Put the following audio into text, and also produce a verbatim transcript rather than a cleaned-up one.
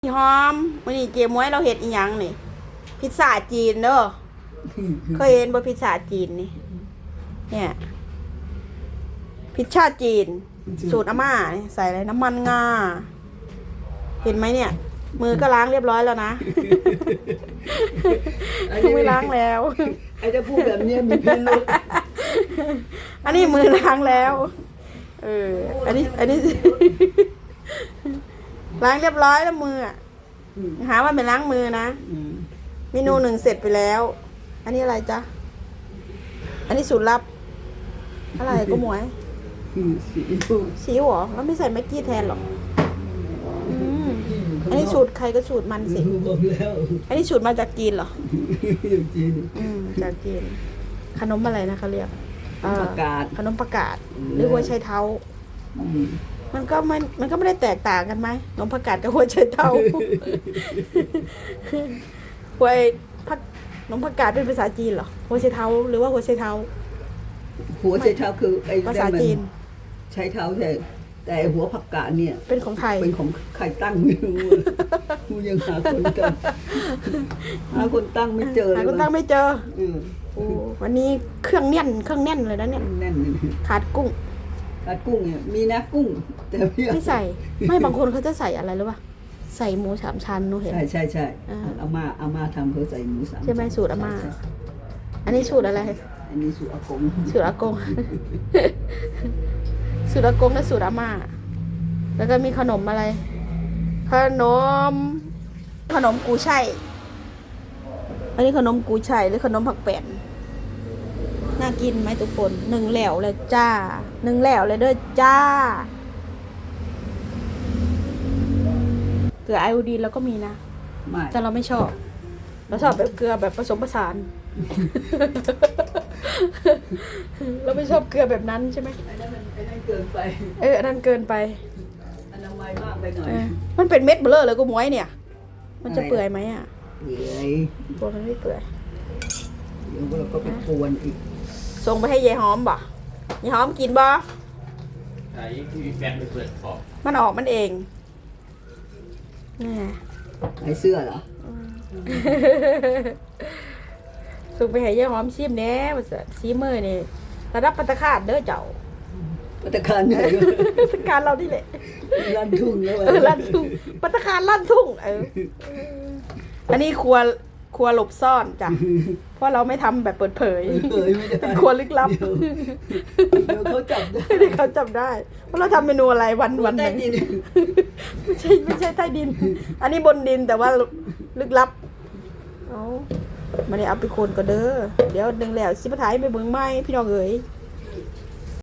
หอมวันนี้เจ๊ม้วยเราเห็ดอีหยังนี่พิซซ่าจีนเด้อเคยเห็นบ่พิซซ่าจีนนี่เนี่ยพิซซ่าจีนสูตรอาม่าเนี่ยใส่อะไรน้ำมันงาเห็นไหมเนี่ย มือก็ล้างเรียบร้อยแล้วนะมือล้างแล้วไอ้จะพูดแบบนี้มีพิรุธอันนี้มือล้างแล้วเอออันนี้อันนี้ล้างเรียบร้อยแล้วมืออ่ะหาว่าเป็นล้างมือนะเมนูหนึ่งเสร็จไปแล้ว อันนี้อะไรจ๊ะอันนี้สูตรลับอะไรก็หมวยซีอิ๊วเหรอแล้วไม่ใส่แม็กกี้แทนหรออันนี้สูตรใครก็สูตรมันสิอันนี้สูตรมาจากจีนเหรอจีนอืมจากจีนขนมอะไรนะเขาเรียกประกาศขนมประกาศหรือหัวไชเท้ามันก็มันมันก็ไม่ได้แตกต่างกันไหมขนมประกาศกับหัวไชเท้าหัวผักขนมประกาศเป็นภาษาจีนเหรอหัวไชเท้าหรือว่าหัวไชเท้าหัวไชเท้าคือไอ้ภาษาจีนใช้เท้าใช่แต่หัวผักกาดเนี่ยเป็นของไทยเป็นของใครตั้งไม่รู้กูยังหาคนตั้งหาคนตั้งไม่เจอหาคนตั้งไม่เจอวันนี้เครื่องแน่นเครื่องแน่นเลยนะเนี่ยแน่นขาดกุ้งขาดกุ้งเนี่ยมีนะกุ้งแต่ไม่ใส่ไม่บางคนเขาจะใส่อะไรหรือเปล่าใส่หมูสามชั้นนูเห็นใช่ใช่ใช่อาม่าอาม่าทำเขาใส่หมูสามใช่ไหมสูตรอาม่าอันนี้สูตรอะไรอันนี้สูตรอากงสูตรอากงสูตรอากงและสูตรอาม่าแล้วก็มีขนมอะไรขนมขนมกูไช่อันนี้ขนมกูไช่หรือขนมผักแป้นน่ากินไหมทุกคนหนึ่งแหลวเลยจ้าหนึ่งแหลวเลยเด้อจ้าเกลือไอโอดีนแล้วก็มีนะแต่เราไม่ชอบเราชอบแบบเกลือแบบผสมผสานเราไม่ชอบเกลือแบบนั้นใช่ไหมไอ้นั่นมันไอ้นั่นเกินไปเอออันนั้นเกินไปอนามัยมากไปหน่อยมันเป็นเม็ดเบลอเลยกูม้วยเนี่ยมันจะเปื่อยไหมอ่ะเปื่อยตัวมันไม่เปื่อยเดี๋ยวเราก็ไปกวนอีกส่งไปให้ยายหอมบ่ยายหอมกินบ่ไอ้ที่แฟนไปเปิดขอบมันออกมันเองนี่ไอ้เสื้อเหรอส่งไปให้ยายหอมชิมแน่ว่าสิซีมือนี่ระดับปัตตาคาดเด้อเจ้าปัตตาคารไหนปัตตาคารเรานี่แหละลั่นทุ่งแล้วเออลั่นทุ่งปัตตาคารลั่นทุ่งเอออันนี้ครัวครัวหลบซ่อนจ้ะเพราะเราไม่ทำแบบเปิดเผยเป็นครัวลึกลับเดี๋ยวเขาจับได้เดี๋ยวเขาจับได้เพราะเราทำเมนูอะไรวันวันหนึ่งไม่ใช่ไม่ใช่ใต้ดินอันนี้บนดินแต่ว่าลึกลับเอามาเนี่ยเอาไปคนก็เด้อเดี๋ยวดึงแล้วสิบท้ายไปเบิ่งไม้พี่น้องเอ๋ย